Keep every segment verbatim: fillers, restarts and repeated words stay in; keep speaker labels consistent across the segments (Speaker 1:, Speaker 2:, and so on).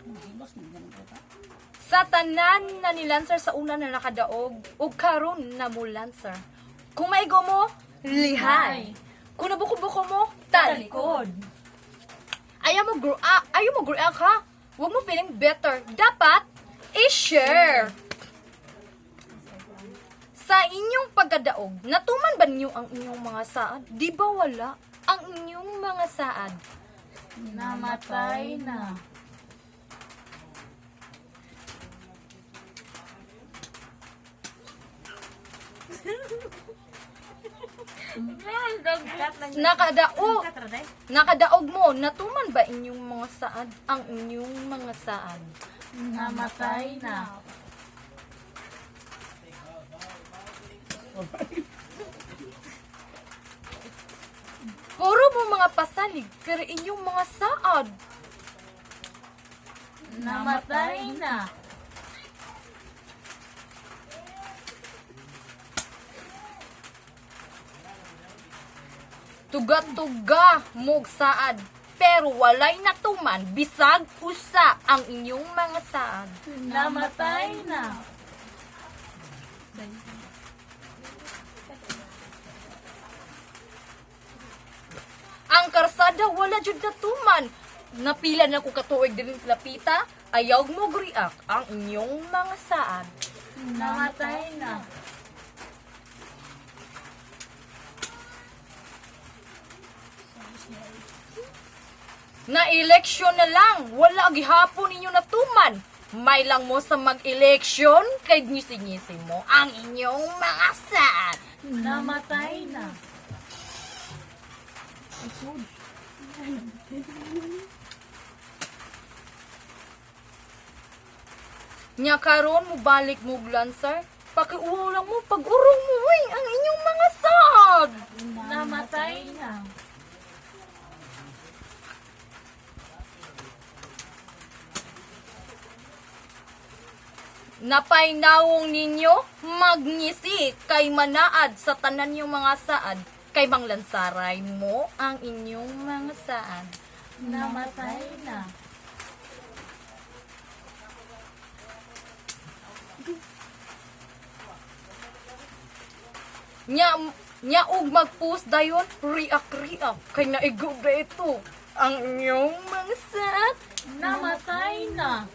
Speaker 1: Sa tanan na nilansar sa una na nakadaog, ug karon na mo lansar. Kung maigo mo, lihay. Kung nabuko-buko mo, talikod. Ayaw mo grow up, ayaw mo grow up ha? Huwag mo feeling better. Dapat, i-share. Sa inyong pagkadaog, natuman ba niyo ang inyong mga saad? Di ba wala ang inyong mga saad?
Speaker 2: Namatay na.
Speaker 1: Nakadaog, nakadaog mo, natuman ba inyong mga saad? Ang inyong mga saad?
Speaker 2: Namatay na.
Speaker 1: Puro mo mga pasalig, pero inyong mga saad.
Speaker 2: Namatay na.
Speaker 1: Tuga-tuga mog saad, pero walay natuman, bisag usa ang inyong mga saad.
Speaker 2: Namatay na.
Speaker 1: Ang karsada wala jud natuman. Napila na ko katuig din lapita, ayaw mo react ang inyong mga saad.
Speaker 2: Namatay na.
Speaker 1: Na eleksyon na lang, wala gihapon ninyo natuman. May lang mo sa mag-eleksyon, kay ngisi-ngisi mo ang inyong mga saad.
Speaker 2: Namatay na.
Speaker 1: Nya karon mo balik mo lansar, pakiuwaw lang mo pag-urong mo uy, ang inyong mga saad.
Speaker 2: Namatay na.
Speaker 1: Napay nawong ninyo, magngisi kay manaad sa tanan yung mga saad, kay manglansaray mo ang inyong mga saad.
Speaker 2: Namatay na.
Speaker 1: Nya, nya og mag-post dayon, riak-riak, kay naigog na ito ang inyong mga saad.
Speaker 2: Namatay na.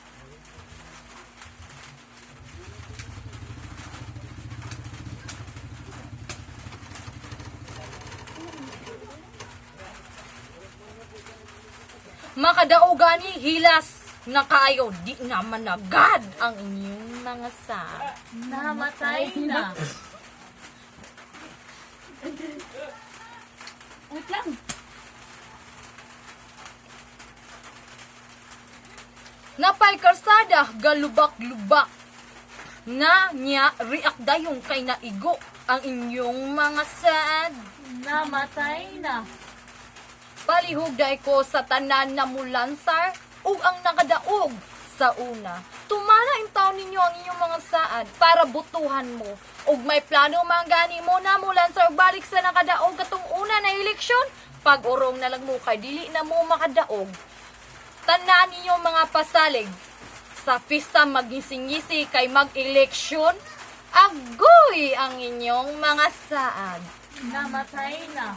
Speaker 1: Makadaogani hilas na kaayo, di naman agad ang inyong mga saad.
Speaker 2: Namatay na.
Speaker 3: Wait lang.
Speaker 1: Napay karsada, galubak-lubak. Na niya, riak dayong kay naigo ang inyong mga saad.
Speaker 2: Namatay na.
Speaker 1: Palihog day ko sa tanan na mulansar, ug ang nakadaog sa una. Tumana in taon ninyo ang inyong mga saad para butuhan mo. Ug may plano manggani mo na mulansar balik sa nakadaog katong una na eleksyon. Pag-urong na lang mo kay dili na mo makadaog. Tanan ninyo mga pasalig sa pista magngisi-ngisi kay mag-eleksyon. Agoy ang inyong mga saad.
Speaker 2: Namatay na.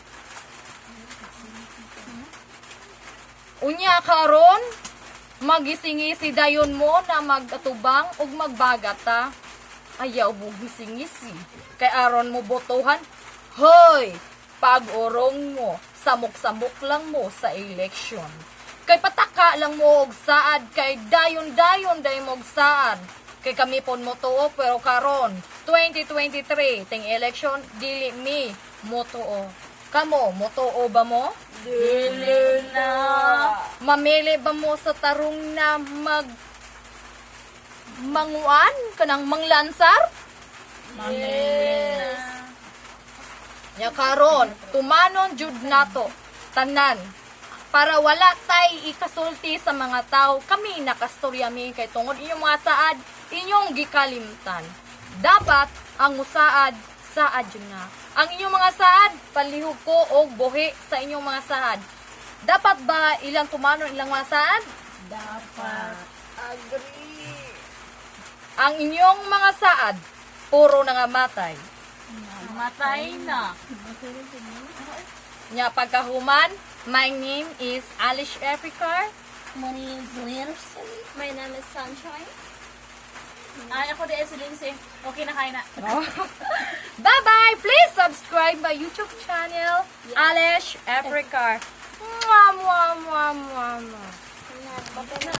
Speaker 1: Unya karon magisingisi dayon mo na magatubang ug magbagata. Ayaw mo gisingisi. Kay aron mo botohan, hoy, pag-urong mo, samok-samok lang mo sa eleksyon. Kay pataka lang mo og saad, kay dayon-dayon day mo og saad. Kay kami pon mo tuo, pero karon twenty twenty-three ting election dili mi mo tuo. Kamo, mo tuo ba mo?
Speaker 2: Dili na.
Speaker 1: Mamili ba mo sa tarong na mag manguan kanang manglansar?
Speaker 2: Mamili na.
Speaker 1: Nya karon, tumanon jud nato tanan para wala tay ikasulti sa mga tao. Kami nakastorya mi kay tungod inyong mga saad, inyong gikalimtan. Dapat ang musaad saad yun na. Ang inyong mga saad, palihog ko og buhi sa inyong mga saad. Dapat ba ilang tumanon ilang mga saad?
Speaker 2: Dapat.
Speaker 1: Agree. Ang inyong mga saad, puro nangamatay.
Speaker 2: Namatay na.
Speaker 1: Nya pagkahuman, my name is Alice Epicar.
Speaker 3: My name is Lindsay. My name is Sunshine.
Speaker 2: Ay, ako din si Lindsay. Okay na, kaya na.
Speaker 1: Bye-bye! Please subscribe my YouTube channel, Alice Epicar. Mwah, mwah, mwah, mwah, mwah.